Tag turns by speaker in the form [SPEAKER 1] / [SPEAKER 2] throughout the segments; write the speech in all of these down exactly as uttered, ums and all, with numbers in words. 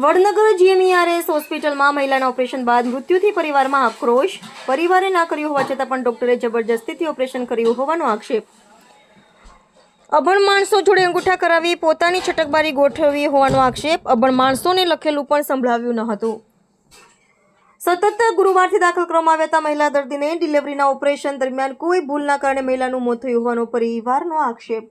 [SPEAKER 1] Vadnagar GMERS હોસ્પિટલમાં મહિલાના operation બાદ મૃત્યુથી પરિવારમાં આક્રોશ. પરિવારે ના કર્યું હોવા છતાં પણ ડોક્ટરે જબરજસ્તીથી ઓપરેશન કર્યું હોવાનો આક્ષેપ. અભણ માણસો જોડે અંગૂઠા કરાવી પોતાની છટકબારી ગોઠવી હોવાનો આક્ષેપ. અભણ માણસોને લખેલું પણ સંભળાવ્યું ન હતું. સતત ગુરુવારથી દાખલ કરવામાં આવ્યા હતા મહિલા દર્દીને ડિલિવરીના ઓપરેશન દરમિયાન કોઈ ભૂલના કારણે મહિલાનું મોત થયું હોવાનો પરિવારનો આક્ષેપ.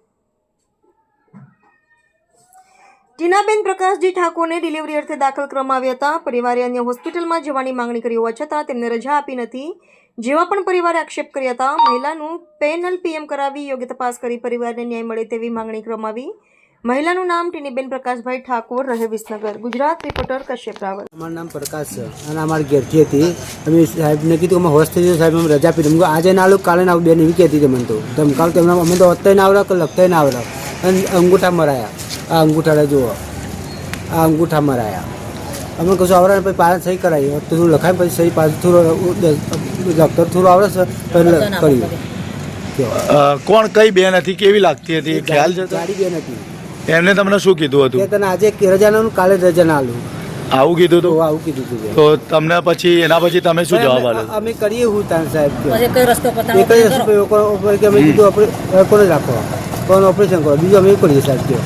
[SPEAKER 1] ટીનાબેન પ્રકાશજી ઠાકોરને ડિલિવરી અર્થે દાખલ કરવામાં આવ્યા હતા. પરિવારે અન્ય હોસ્પિટલમાં જવાની માંગણી કરી હોવા છતાં તેમને રજા આપી નથી, જેવા પણ પરિવારે આક્ષેપ કર્યા હતા. મહિલાનું પેનલ પીએમ કરાવી યોગ્ય તપાસ કરી પરિવારને ન્યાય મળે તેવી માંગણી કરવામાં આવી. મહિલાનું નામ ટીનીબેન પ્રકાશભાઈ ઠાકોર, રહે વિસનગર. ગુજરાત રિપોર્ટર કશ્યપ રાવલ.
[SPEAKER 2] અમારું નામ પ્રકાશ છે અને અમારી ઘેરથી હતી. અમે સાહેબને કીધું અમે હોસ્પિટલ સાહેબ અમે રજા આપી દીધી. આજે ના આવું કાલે ના આવું બેન એવી કહેતી હતી મને તો ધમકાવ તો એમના અમે તો અત્યારે ના આવડા કે લખતા ના આવડા અને અંગૂઠા મરાયા. આ અંગૂઠા જુઓ, આ અંગૂઠા મરાયા. અમે કશું આવડે પછી પાછા સહી કરાવી તો થોડું લખાય પછી સહી પાછું થોડું ડૉક્ટર થોડું આવડે છે પહેલાં કર્યું.
[SPEAKER 3] કોણ કઈ બેન હતી, કેવી લાગતી હતી, ખ્યાલ છે?
[SPEAKER 2] ગાડી બેન હતી.
[SPEAKER 3] એમને તમને શું કીધું હતું?
[SPEAKER 2] તને આજે રજા ના કાલે રજા ના આલું
[SPEAKER 3] આવું કીધું હતું?
[SPEAKER 2] આવું કીધું હતું.
[SPEAKER 3] તો તમને પછી એના પછી તમે શું જવાબ આપ્યો?
[SPEAKER 2] અમે કરીએ હું તાન સાહેબ
[SPEAKER 4] એક જ રસ્તો
[SPEAKER 2] એક જ રસ્તો કે અમે કીધું આપણે કોને રાખો કોણ ઓપરેશન કરો, બીજું અમે કરીએ સાહેબ કે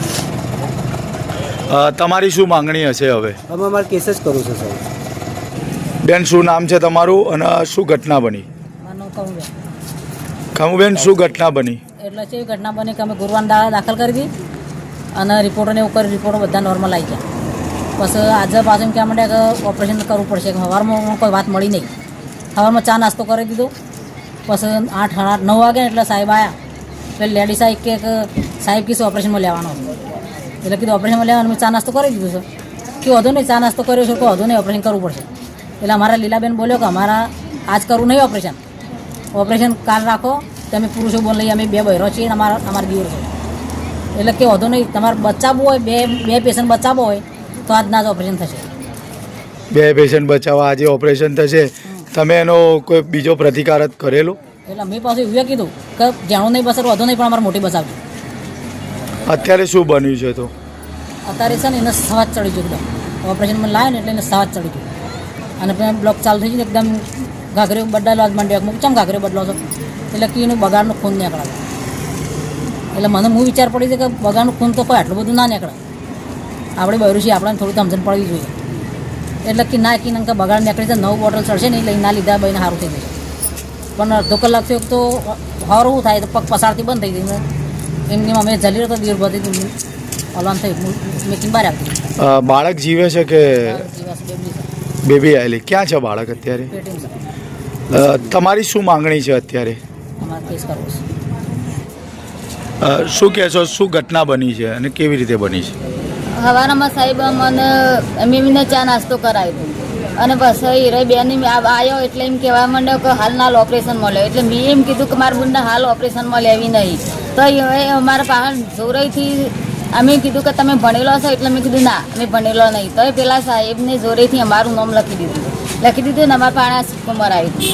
[SPEAKER 3] તમારી શું માંગણી હશે હવે?
[SPEAKER 2] અમે અમારે કેસ જ કરવું છે સાહેબ.
[SPEAKER 3] બેન શું નામ છે તમારું અને શું ઘટના બની? ખમુબેન શું ઘટના બની?
[SPEAKER 4] એટલે છે ઘટના બની કે અમે ગુરુવારના દાડા દાખલ કરી હતી અને રિપોર્ટોને એવું કરી રિપોર્ટો બધા નોર્મલ આવી ગયા. પછી આજે પાછું એમ કહેવા માંડ્યા કે ઓપરેશન કરવું પડશે. કે સવારમાં કોઈ વાત મળી નહીં. સવારમાં ચા નાસ્તો કરી દીધો. પછી આઠ આઠ નવ વાગે એટલે સાહેબ આવ્યા. એટલે લેડી સાહેબ કે સાહેબ કીધું ઓપરેશનમાં લેવાનો એટલે કીધું ઓપરેશનમાં લેવાનું. મેં ચા નાસ્તો કરી દીધું છે કે વધુ નહીં ચા નાસ્તો કર્યો છે કે વધુ નહીં ઓપરેશન કરવું પડશે. એટલે અમારા લીલાબેન બોલ્યો કે અમારા આજ કરવું નહીં ઓપરેશન, ઓપરેશન કાલ રાખો. તમે પુરુષો બોલ લઈએ, અમે બે બહેરો છીએ અને અમારા અમારા દીવર છે. એટલે કે વધુ નહીં તમારે બચાવવું હોય, બે બે પેશન્ટ બચાવવો હોય તો આજના જ ઓપરેશન થશે.
[SPEAKER 3] બે પેશન્ટ બચાવવા આજે ઓપરેશન થશે. તમે એનો કોઈ બીજો પ્રતિકાર જ કરેલો?
[SPEAKER 4] એટલે મેં પાછું એવું કીધું કે જાણું નહીં બચાવવું વધુ નહીં પણ અમારે મોટી બચાવજો.
[SPEAKER 3] અત્યારે શું બન્યું છે? તો
[SPEAKER 4] અત્યારે છે ને એને સવાજ ચડી ગયું એકદમ. ઓપરેશનમાં લાવે ને એટલે એને સવાજ ચડી ગયું અને પછી બ્લોક ચાલુ થઈ ગયું. એકદમ ઘાઘરે બદલાયેલો આજ માંડ્યો મૂક ચમ ઘાઘરે બદલો છો એટલે કે એનું બગાડનું ખૂન નીકળે. એટલે મને હું વિચાર પડી છે કે બગાડનું ખૂન તો કોઈ આટલું બધું ના નીકળે. આપણે બહેરું છીએ, આપણને થોડું સમજણ પડવી જોઈએ. એટલે કે ના કીને કે બગાડ નીકળી જાય, નવું બોટલ ચડશે નહીં લઈને ના લીધા બહીને સારું થઈ જશે. પણ અડધો કલાક થયો તો સારું થાય તો પગ પસારથી બંધ થઈ ગઈ. એમની અમે જલી રહ્યો તો દીર બધી હલવાન થઈ મેકીને બહાર આપી.
[SPEAKER 3] બાળક જીવે છે કે બેબી આવેલી? ક્યાં છે બાળક અત્યારે? તમારી શું માંગણી છે અત્યારે?
[SPEAKER 4] અમારે કેસ કરવો છે.
[SPEAKER 3] શું કહેશો, શું ઘટના બની છે અને કેવી રીતે બની છે?
[SPEAKER 5] સવારમાં સાહેબ મને મેમીને ચા નાસ્તો કરાવ્યો અને બસ હીરે બેન આવ્યો એટલે એમ કહેવા માંડ્યો કે હાલ નાલ ઓપરેશન મળ્યો. એટલે મેં એમ કીધું કે મારા બુનને હાલ ઓપરેશનમાં લેવી નહીં. તો હવે અમારા પાસે જોરેથી અમે કીધું કે તમે ભણેલો છો એટલે મેં કીધું ના અમે ભણેલો નહીં. તો પેલા સાહેબને જોરેથી અમારું નામ લખી દીધું લખી દીધું ને અમારા પાસે સિક્કો મરાવી.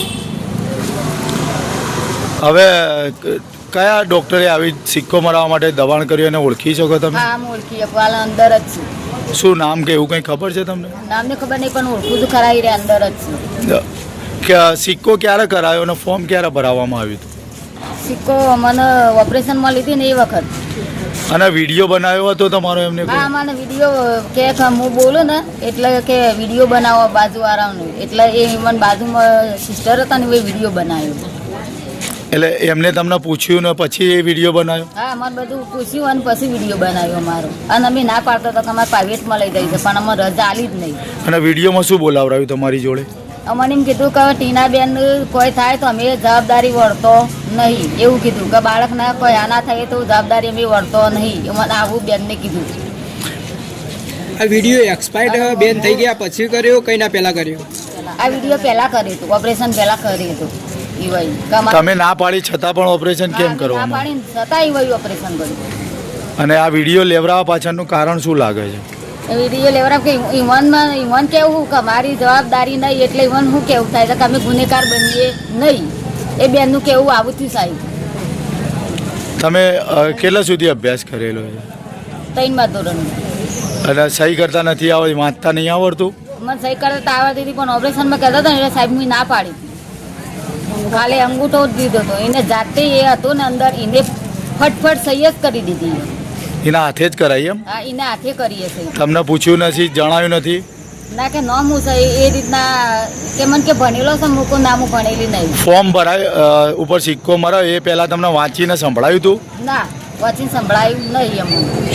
[SPEAKER 3] હવે કયા ડૉક્ટરે આવી સિક્કો મરાવવા માટે દબાણ કર્યું અને ઓળખી શકો તમે?
[SPEAKER 5] હા આમ ઓળખી શકું, હાલ અંદર જ છું.
[SPEAKER 3] શું નામ કે એવું કંઈ ખબર છે તમને?
[SPEAKER 5] નામને ખબર નહીં પણ ઓળખું તો ખરા રે અંદર જ છું.
[SPEAKER 3] કે સિક્કો ક્યારે કરાયો અને ફોર્મ ક્યારે ભરાવવામાં આવ્યું હતું?
[SPEAKER 5] સિક્કો મને ઓપરેશનમાં લીધી ને એ વખત.
[SPEAKER 3] અને વિડીયો બનાવ્યો હતો તમારો એમને?
[SPEAKER 5] હા મને વિડીયો કે હું બોલું ને એટલે કે વિડીયો બનાવો બાજુવાળાનો. એટલે એ મને બાજુમાં સિસ્ટર હતા ને એ વિડીયો બનાવ્યો.
[SPEAKER 3] એટલે એમને તમને પૂછ્યું ને પછી એ વિડીયો બનાવ્યો?
[SPEAKER 5] હા મને બધું પૂછ્યું અને પછી વિડીયો બનાવ્યો અમારો. અને અમે ના પાડતો હતો કે અમારે પ્રાઇવેટમાં લઈ જઈ છે પણ અમે રજા આલી જ નહીં.
[SPEAKER 3] અને વિડીયોમાં શું બોલાવડાવ્યું તમારી જોડે?
[SPEAKER 5] અમને એમ કીધું કે ટીનાબેન કોઈ થાય તો અમે જવાબદારી વળતો નહીં એવું કીધું કે બાળકના કોઈ આના થાય તો જવાબદારી અમે વળતો નહીં. મને આવું બેનને કીધું.
[SPEAKER 6] આ વિડીયો એક્સપાયર્ડ બેન થઈ ગયા પછી કર્યો કઈ ના પહેલા કર્યો?
[SPEAKER 5] આ વિડીયો પહેલા કર્યું હતું, ઓપરેશન પહેલા કર્યું હતું.
[SPEAKER 3] તમે ના પાડી છતાં પણ ઓપરેશન કેમ કરવા?
[SPEAKER 5] ના પાડી છતાં ઈ ઓપરેશન કર્યું.
[SPEAKER 3] અને આ વિડીયો લેવડાવવા પાછળનું કારણ શું લાગે છે?
[SPEAKER 5] વિડીયો લેવડાવ કે ઈવનમાં ઈવન કેવું કે મારી જવાબદારી નહીં એટલે ઈવન શું કેવું થાય કે અમે ગુનેગાર બનીએ નહીં. એ બેનનું કેવું આવું થયું સાહેબ.
[SPEAKER 3] તમે કેટલા સુધી અભ્યાસ કરેલો છે?
[SPEAKER 5] ત્રણમાં ધોરણ.
[SPEAKER 3] અને સહી કરતા નથી આવડતી, વાંચતા નહીં આવડતું?
[SPEAKER 5] મને સહી કરતા આવડતી હતી પણ ઓપરેશનમાં કહેતા હતા ને એટલે સાહેબ મેં ના પાડી હતી. ખાલી અંગૂઠો જ દીધો હતો એને જાતે એ હતો ને અંદર એને ફટફટ સહી જ કરી દીધી.
[SPEAKER 3] એના હાથે જ કરાઈ એમ?
[SPEAKER 5] હા એને હાથે કરીએ સહી.
[SPEAKER 3] તમને પૂછ્યું નથી, જણાવ્યું નથી?
[SPEAKER 5] ના કે ન હું સહી એ રીતના કે મને કે ભણેલો છે મૂકો ના હું ભણેલી નહીં.
[SPEAKER 3] ફોર્મ ભરાય અ, ઉપર સિક્કો મરાયો એ પહેલાં તમને વાંચીને સંભળાયું હતું?
[SPEAKER 5] ના વાંચીને સંભળાયું નહીં અમને.